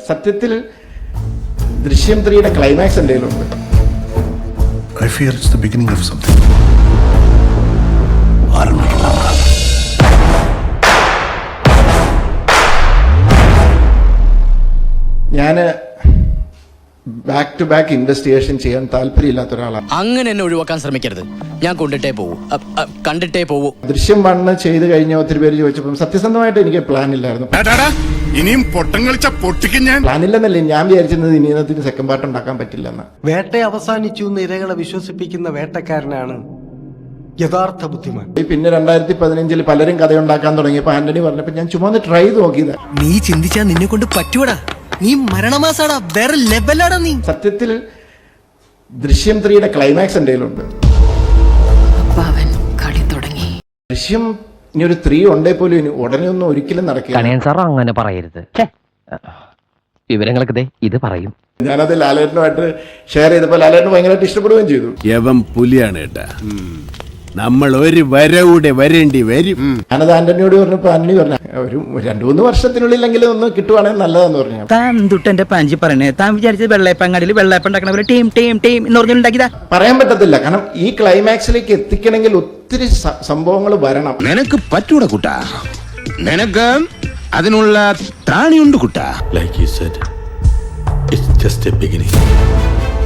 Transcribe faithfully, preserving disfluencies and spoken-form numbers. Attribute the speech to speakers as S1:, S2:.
S1: സത്യത്തിൽ ദൃശ്യം ത്രീയുടെ ക്ലൈമാക്സ് എന്തെങ്കിലുമുണ്ട്.
S2: I fear it's the beginning of something.
S1: ഞാൻ ബാക്ക് ടു ബാക്ക് ഇൻവെസ്റ്റിഗേഷൻ ചെയ്യാൻ താല്പര്യമില്ലാത്ത ഒരാളാണ്.
S3: അങ്ങനെ എന്നെ ഒഴിവാക്കാൻ ശ്രമിക്കരുത്. ഞാൻ കൊണ്ടിട്ടേ പോവൂ, കണ്ടിട്ടേ പോവൂ.
S1: ദൃശ്യം വണ്ണ് ചെയ്ത് കഴിഞ്ഞ ഒത്തിരി പേര് ചോദിച്ചപ്പോൾ സത്യസന്ധമായിട്ട് എനിക്ക് പ്ലാൻ ഇല്ലായിരുന്നു.
S2: ഇനിയും പൊട്ടം കളിച്ച പൊട്ടിക്കും ഞാൻ.
S1: പ്ലാൻ ഇല്ലെന്നല്ലേ ഞാൻ വിചാരിച്ചിരുന്നത്. ഇനിയത്തിന് സെക്കൻഡ് പാർട്ട് ഉണ്ടാക്കാൻ പറ്റില്ലെന്ന്.
S4: വേട്ട അവസാനിച്ചു എന്ന് ഇരകളെ വിശ്വസിപ്പിക്കുന്ന വേട്ടക്കാരനാണ് യഥാർത്ഥ ബുദ്ധിമാൻ.
S1: പിന്നെ രണ്ടായിരത്തി പതിനഞ്ചിൽ പലരും കഥയുണ്ടാക്കാൻ തുടങ്ങിയപ്പോൾ ആന്റണി പറഞ്ഞപ്പോൾ ഞാൻ ചുമ്മാ ട്രൈ ചെയ്ത് നോക്കിയത്.
S5: നീ ചിന്തിച്ചാ നിന്നെ കൊണ്ട് പറ്റൂടാ. നീ മരണമാസാടാ, വേറെ ലെവലാടാ നീ.
S1: സത്യത്തിൽ ദൃശ്യം ത്രീയുടെ ക്ലൈമാക്സ് എന്തെങ്കിലുമുണ്ട്. ദൃശ്യം ഇനി ഒരു ത്രീ ഉണ്ടേ പോലും ഇനി ഉടനെ ഒന്നും ഒരിക്കലും നടക്കില്ല.
S6: സാർ അങ്ങനെ പറയരുത്. വിവരങ്ങളൊക്കെ ഇത് പറയും.
S1: ഞാനത് ലാലേട്ടനുമായിട്ട് ഷെയർ ചെയ്തപ്പോൾ ലാലേട്ടന് ഭയങ്കരമായിട്ട് ഇഷ്ടപ്പെടുകയും ചെയ്തു.
S7: യവം പുലിയാണ് കേട്ടാ. നമ്മൾ ഒരു വരവിടെ വരേണ്ടി വരും.
S1: ഞാനത് ആന്റണിയോട് പറഞ്ഞപ്പോൾ ആന്റണി പറഞ്ഞ ഒരു രണ്ടു മൂന്ന് വർഷത്തിനുള്ളിലെങ്കിലും ഒന്ന് കിട്ടുവാണെങ്കിൽ നല്ലതെന്ന് പറഞ്ഞു.
S5: താൻ തൊട്ടെന്റെ പാഞ്ചി പറഞ്ഞേ. താൻ വിചാരിച്ചത് വെള്ളയപ്പങ്ങാടിയിൽ വെള്ളയപ്പം ഉണ്ടാക്കണ ടീം ടീം ടീം എന്ന് പറഞ്ഞുണ്ടാക്കിയതാ.
S1: പറയാൻ പറ്റത്തില്ല. കാരണം ഈ ക്ലൈമാക്സിലേക്ക് എത്തിക്കണമെങ്കിൽ ഒത്തിരി സംഭവങ്ങൾ വരണം.
S7: നിനക്ക് പറ്റൂട കുട്ടാ. നിനക്ക് അതിനുള്ള ത്രാണിയുണ്ട് കുട്ടാ.
S2: Like you said, it's just a beginning.